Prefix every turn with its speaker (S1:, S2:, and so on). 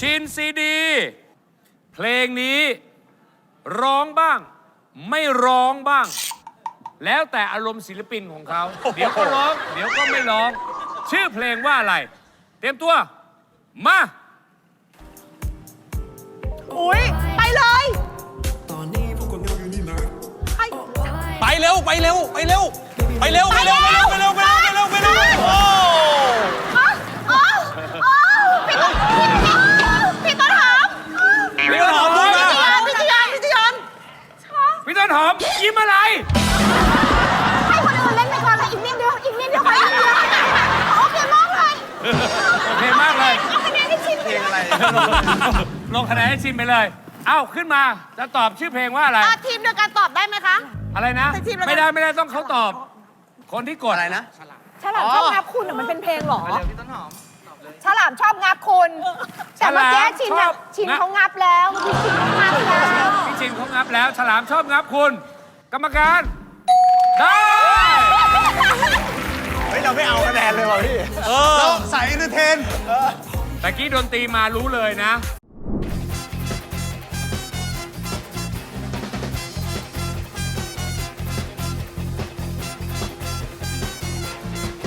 S1: ชินซีดี เพลงนี้ร้องบ้าง ไม่ร้องบ้าง แล้วแต่อารมณ์ศิลปินของเขา เดี๋ยวก็ร้อง เดี๋ยวก็ไม่ร้อง ชื่อเพลงว่าอะไร เตรียมตัว มา
S2: อุ้ยไปเลยไป
S3: ไปเร็ว ไปเร็ว ไปเร็ว ไปเร็ว ไปเร็ว ไปเร็ว ไปเร็ว ไปเร็ว ไปเร็ว ไปเร็ว โอ้
S2: พี่ต้นหอม
S1: พี่ต้นหอมพูดมา
S2: พี่จียอน
S1: พี่ต้นหอมยิ้มอะไร
S2: ให้คนอื่นเล่นไปก่อนเลยอีกนิดเดียวอีกนิดเดียวไปอีกนิดเดียวโอเคมากเลย
S1: โอเคมากเลย
S2: เอาคะแนนให้ชินไปเลย
S1: ลงคะแนนให้ชิมไปเลย เอ้าขึ้นมา จะตอบชื่อเพลงว่าอะไร
S2: ทีมเดียวกันตอบได้ไหมคะ
S1: อะไรนะ
S2: แต่ทีมละ
S1: ไม่ได้ต้องเขาตอบ คนที่กดอะไรนะ
S2: ฉลามชอบงับคุณมันเป็นเพลงหรอฉลามชอบงับคุณแต่เมื่อกี้ชินเขางับแล้วเมื่อกี้ชินเขางับแล้ว
S1: พี่ชินเขางับแล้ว ฉลามชอบงับคุณ กรรมการ ได้
S3: เฮ้ย เราไม่เอาคะแนนเลยว่ะพี่เราใส่เอนเตอร์เทน
S1: แต่กี้ดนตรีมารู้เลยนะ